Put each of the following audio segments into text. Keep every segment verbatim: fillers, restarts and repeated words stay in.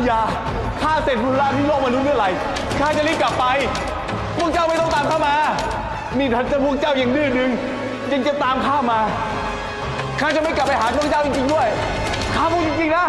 ญาข้าเสร็จธุระที่โลกมนุษย์เมื่อไหร่ข้าจะรีบกลับไปพวกเจ้าไม่ต้องตามข้ามานี่ถ้าจะพวกเจ้ายังดื้อดึงยังจะตามข้ามาข้าจะไม่กลับไปหาพวกเจ้าจริงๆด้วยข้าพูดจริงๆนะ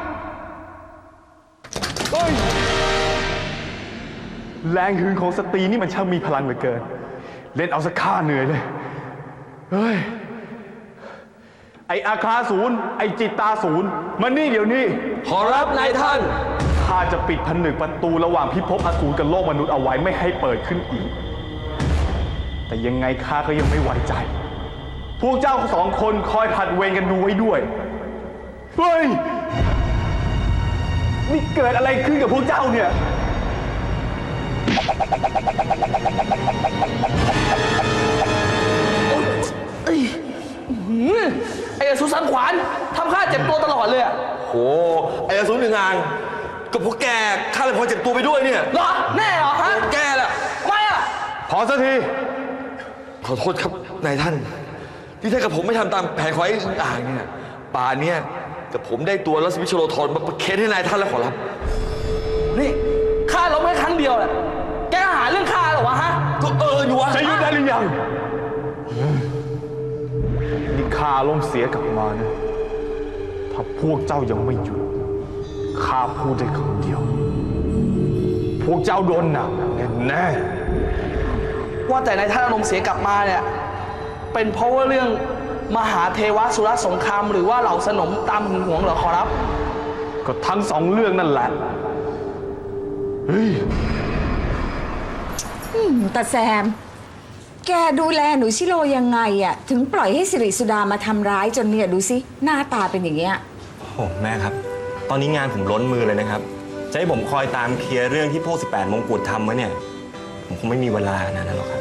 เฮ้ยแรงหึงของสตรีนี่มันช่างมีพลังเหลือเกินเล่นเอาสักข้าเหนื่อยเลยเฮ้ยไออาคาศูนย์ไอจิตตาศูนย์มันนี่เดี๋ยวนี้ขอรับนายท่านข้าจะปิดผนึกประตูระหว่างพิภพอสูรกับโลกมนุษย์เอาไว้ไม่ให้เปิดขึ้นอีกแต่ยังไงข้าก็ยังไม่ไว้ใจพวกเจ้าสองคนคอยผัดเวรกันดูไว้ด้วยเฮ้ยนี่เกิดอะไรขึ้นกับพวกเจ้าเนี่ยไอ้อสูรสังขวานทำข้าเจ็บตัวตลอดเลยอะโอ้ไอ้อสูรหนึ่งงานกับพวกแกข้าเลยพอเจ็บตัวไปด้วยเนี่ยเหรอแน่เหรอฮะแกแหละไม่อะพอสักทีขอโทษครับนายท่านที่ถ้ากับผมไม่ทำตามแผนของไอ้อ่างเนี่ยป่านเนี่ยกับผมได้ตัวรัศมีชโลธรมาประเคนให้นายท่านแล้วขอรับนี่ข้าล้มแค่ครั้งเดียวแหละแกหาเรื่องข้าเหรอวะฮะก็เอออยู่วะจะหยุดได้หรือยังนี่ข้าล้มเสียกลับมานะถ้าพวกเจ้ายังไม่หยุดข้าพูดได้คำเดียวพวกเจ้าโดนหนักแน่ๆว่าแต่นายท่านอารมณ์เสียกลับมาเนี่ยเป็นเพราะว่าเรื่องมหาเทวสุรสงครามหรือว่าเหล่าสนมตามหึงหวงเหรอขอรับก็ทั้งสองเรื่องนั่นแหละเฮ้ยแต่แซมแกดูแลหนูชิโร่ยังไงอะถึงปล่อยให้สิริสุดามาทำร้ายจนเนี่ยดูสิหน้าตาเป็นอย่างเงี้ยโอ้แม่ครับตอนนี้งานผมล้นมือเลยนะครับจะให้ผมคอยตามเคลียร์เรื่องที่พวกสิบแปดมงกุฎทำไว้เนี่ยผมคงไม่มีเวลาขนาดนั้นหรอกครับ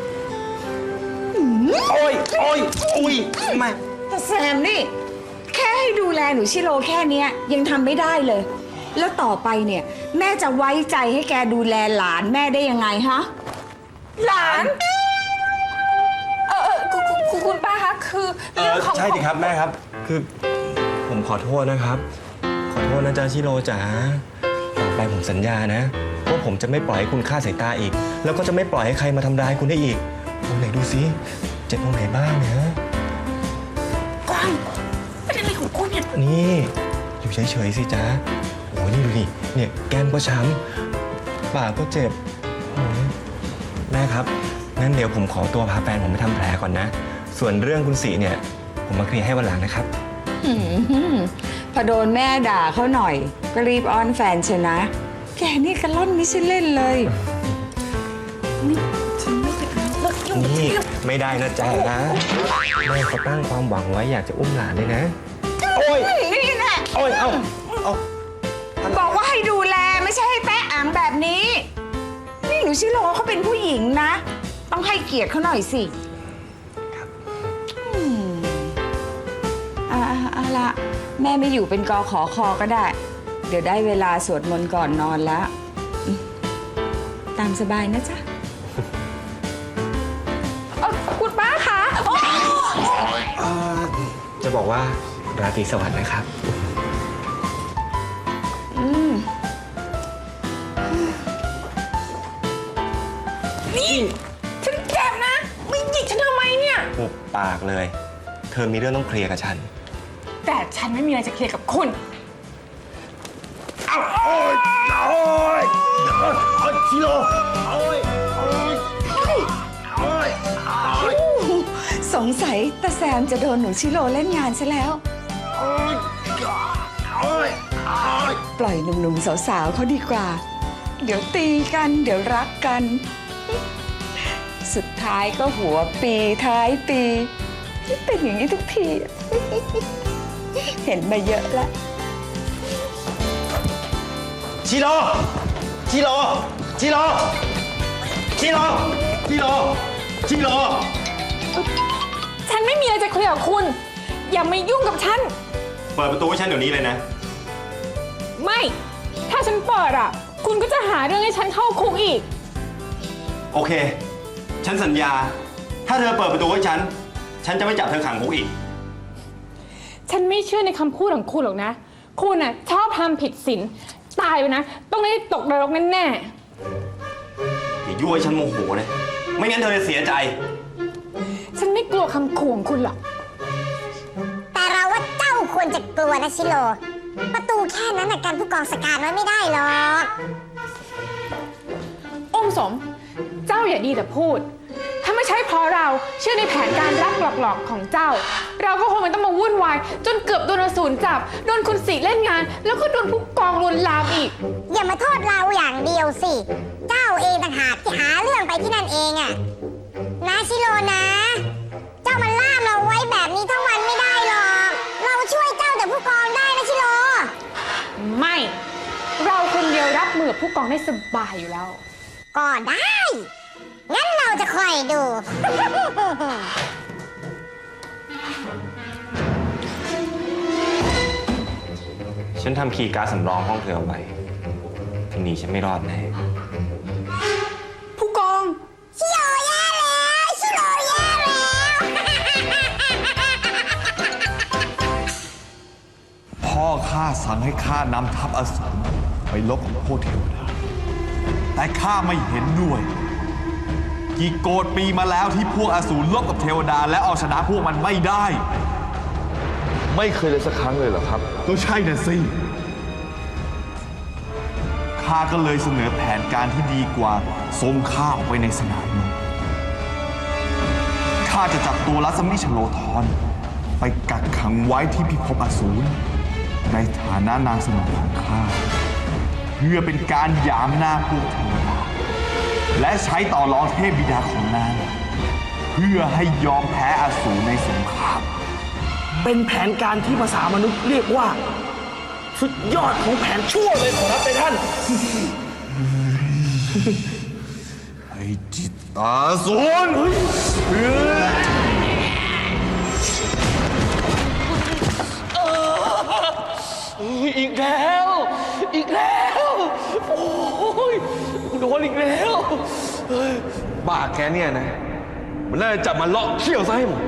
โอ้ยโอ้ยอุ้ยมาแต่แซมนี่แค่ให้ดูแลหนูชิโร่แค่เนี้ยยังทำไม่ได้เลยแล้วต่อไปเนี่ยแม่จะไว้ใจให้แกดูแลหลานแม่ได้ยังไงฮะหลานเออเออคุณคุณป้าคะคือเรื่องของใช่ดิครับแม่ครับคือผมขอโทษนะครับขอโทษนะจ๊ะชิโร่จ๋าต่อไปผมสัญญานะว่าผมจะไม่ปล่อยให้คุณฆ่าสายตาอีกแล้วก็จะไม่ปล่อยให้ใครมาทำร้ายคุณได้อีกตรงไหนดูสิเจ็บตรงไหนบ้างเนี่ยกวางเป็นอะไรของคุณเนี่ยนี่อยู่เฉยๆสิจ๊ะโอ้นี่ดูดิเนี่ยแก้มก็ช้ำปากก็เจ็บโอ้แม่ครับงั้นเดี๋ยวผมขอตัวพาแฟนผมไปทำแผลก่อนนะส่วนเรื่องคุณสีเนี่ยผมมาเคลียร์ให้วันหลังนะครับพอโดนแม่ด่าเขาหน่อยก็รีบอ้อนแฟนเชียวนะแกนี่กระล่อนไม่ใช่เล่นเลยนี่ไม่ได้นะจ๊ะนะแม่เขาตั้งความหวังไว้อยากจะอุ้มหลานเลยนะโอ้ยนี่แหละโอ้ยเอาเอาบอกว่าให้ดูแลไม่ใช่ให้แตะอ่างแบบนี้นี่หนูชิโร่เขาเป็นผู้หญิงนะต้องให้เกียรติเขาหน่อยสิครับอืมอ่าเอาละแม่ไม่อยู่เป็นกอขอคอก็ได้เดี๋ยวได้เวลาสวดมนต์ก่อนนอนแล้วตามสบายนะจ๊ะคุณป้าคะจะบอกว่าราตรีสวัสดิ์นะครับอืมนี่ฉันเจ็บนะไม่หยิกฉันทำไมเนี่ยหุบปากเลยเธอมีเรื่องต้องเคลียร์กับฉันแต่ฉันไม่มีอะไรจะเคลียร์กับคุณเอาโอ้ยโอ้ยโอ้ยชิโร่โอ้ยโอ้ยโอ้ยสงสัยตาแซมจะโดนหนูชิโร่เล่นงานซะแล้วปล่อยหนุ่มๆสาวๆเขาดีกว่าเดี๋ยวตีกันเดี๋ยวรักกันสุดท้ายก็หัวปีท้ายปีเป็นอย่างนี้ทุกทีเห็นมาเยอะแล้วชิโร่ชิโร่ชิโร่ชิโร่ชิโร่ชิโร่ฉันไม่มีอะไรจะเคลียร์กับคุณอย่ามายุ่งกับฉันเปิดประตูให้ฉันเดี๋ยวนี้เลยนะไม่ถ้าฉันเปิดอ่ะคุณก็จะหาเรื่องให้ฉันเข้าคุกอีกโอเคฉันสัญญาถ้าเธอเปิดประตูให้ฉันฉันจะไม่จับเธอขังคุกอีกฉันไม่เชื่อในคำพูดของคุณหรอกนะคุณอ่ะชอบทำผิดศีลตายไปนะ ต้องได้ตกนรกแน่อย่ายั่วให้ฉันโมโหนะ ไม่งั้นเธอจะเสียใจๆฉันไม่กลัวคำขู่ของคุณหรอกแต่เราว่าเจ้าควรจะกลัวนะชิโร่ประตูแค่นั้นนะกันผู้กองสกัดไว้ไม่ได้หรอกองค์สม เจ้าอย่าดีแต่พูด ถ้าไม่ใช่เพราะเราเชื่อในแผนการรักหลอกๆของเจ้า เราก็คงไม่ต้องมาวุ่นวาย จนเกือบโดนอสูรจับ โดนคุณสีเล่นงาน แล้วก็โดนผู้กองลวนลามอีกอย่ามาโทษเราอย่างเดียวสิ เจ้าเองต่างหากที่หาเรื่องไปที่นั่นเองอะนะชิโร่นะ เจ้ามันล่ามเราไว้แบบนี้ทั้งวันไม่ได้หรอก เราช่วยเจ้าแต่ผู้กองได้นะชิโร่ไม่ เราคนเดียวรับมือกับผู้กองได้สบายอยู่แล้วก็ได้ งั้นเราจะคอยดูฉันทำคีย์การ์ดสำรองห้องเธอเอาไว้ทีนี้ฉันไม่รอดแน่ผู้กองชิโร่แย่แล้วชิโร่แย่แล้วพ่อข้าสั่งให้ข้านำทัพอสูรไปลบกับพวกเทวดา แต่ข้าไม่เห็นด้วย กี่โกฏปีมาแล้วที่พวกอสูรลบกับเทวดา และเอาชนะพวกมันไม่ได้ไม่เคยเลยสักครั้งเลยเหรอครับก็ใช่น่ะสิ ข้าก็เลยเสนอแผนการที่ดีกว่าส่งข้าออกไปในสนามรบข้าจะจับตัวลัสมิชโลธรไปกักขังไว้ที่พิภพอสูรในฐานะนางสนมของข้า เพื่อเป็นการหยามหน้าพวกเทวดา และใช้ต่อรองเทพบิดาของนาง เพื่อให้ยอมแพ้อสูรในสงครามเป็นแผนการที่ภาษามนุษย์เรียกว่า สุดยอดของแผนชั่วเลยขอรับในท่านไอ้จิตตาสูรอีกแล้ว อีกแล้ว โอ้ยโดนอีกแล้วบ้าแกเนี่ยนะ มันน่าจะจับมาเลาะเขี้ยวซะให้หมด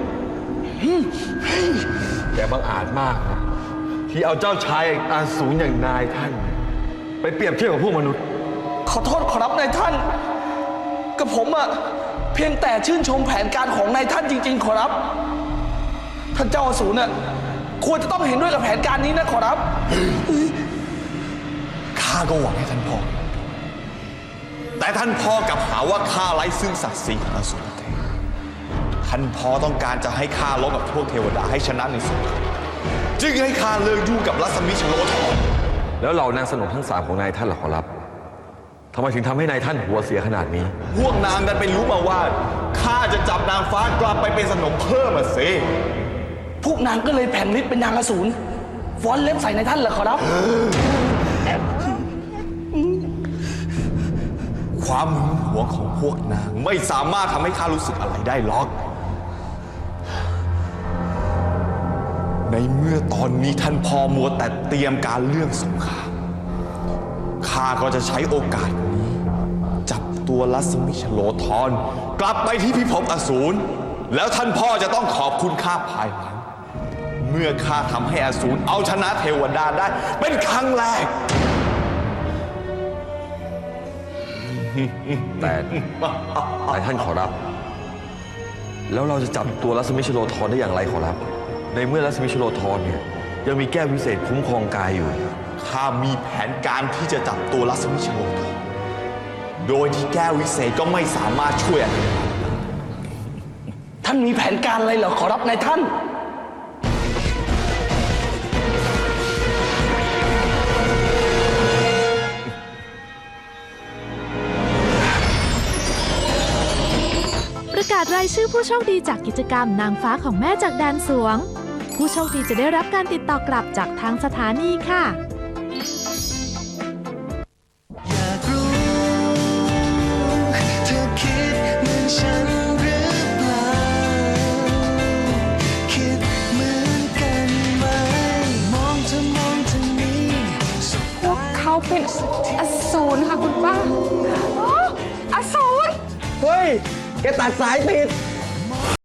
แกบังอาจมากนะที่เอาเจ้าชายอาสูรอย่างนายท่าน ไปเปรียบเทียบกับพวกมนุษย์ขอโทษขอรับนายท่าน กับผมอะเพียงแต่ชื่นชมแผนการของนายท่านจริงๆขอรับ ท่านเจ้าอสูรน่ะควรจะต้องเห็นด้วยกับแผนการนี้นะขอรับข้าก็หวังให้ท่านพ่อ แต่ท่านพ่อกลับหาว่าข้าไร้ซึ่งศักดิ์ศรีของอสูรเทพท่านพ่อต้องการจะให้ข้าลบกับพวกเทวดาให้ชนะในสงครามจึงให้ข้าเลิกยุ่งกับลัสมิชโลธรแล้วเหล่านางสนมทั้งสามของนายท่านล่ะขอรับทำไมถึงทำให้นายท่านหัวเสียขนาดนี้พวกนางดันไปรู้มาว่าข้าจะจับนางฟ้ากลับไปเป็นสนมเพิ่มอ่ะสิพวกนางก็เลยแผนฤทธิ์เป็นนางอสูรฟ้อนเล็บใส่นายท่านเหรอขอรับความหึงหวงของพวกนางไม่สามารถทำให้ข้ารู้สึกอะไรได้หรอก ในเมื่อตอนนี้ท่านพ่อมัวแต่เตรียมการเรื่องสงครามข้าก็จะใช้โอกาสนี้ จับตัวลัสมิชโลธรกลับไปที่พิภพอสูรแล้วท่านพ่อจะต้องขอบคุณข้าภายหลัง เมื่อข้าทำให้อสูรเอาชนะเทวดาได้เป็นครั้งแรกแต่นายท่านขอรับ แล้วเราจะจับตัวลัสมิชโลธรได้อย่างไรขอรับ ในเมื่อลัสมิชโลธรเนี่ยยังมีแก้ววิเศษคุ้มครองกายอยู่ข้ามีแผนการที่จะจับตัวลัสมิชโลธรโดยที่แก้ววิเศษก็ไม่สามารถช่วยอะไรได้ท่านมีแผนการอะไรเหรอขอรับนายท่านประกาศรายชื่อผู้โชคดีจากกิจกรรมนางฟ้าของแม่จากแดนสวง ผู้โชคดีจะได้รับการติดต่อกลับจากทางสถานีค่ะอยากรู้เธอคิดเหมือนฉันหรือเปล่า คิดเหมือนกันไหม มองเธอมองทางนี้สบพวกเขาเป็นอสูรค่ะคุณป้าอ๋ออสูรเฮ้ย แกตัดสายติด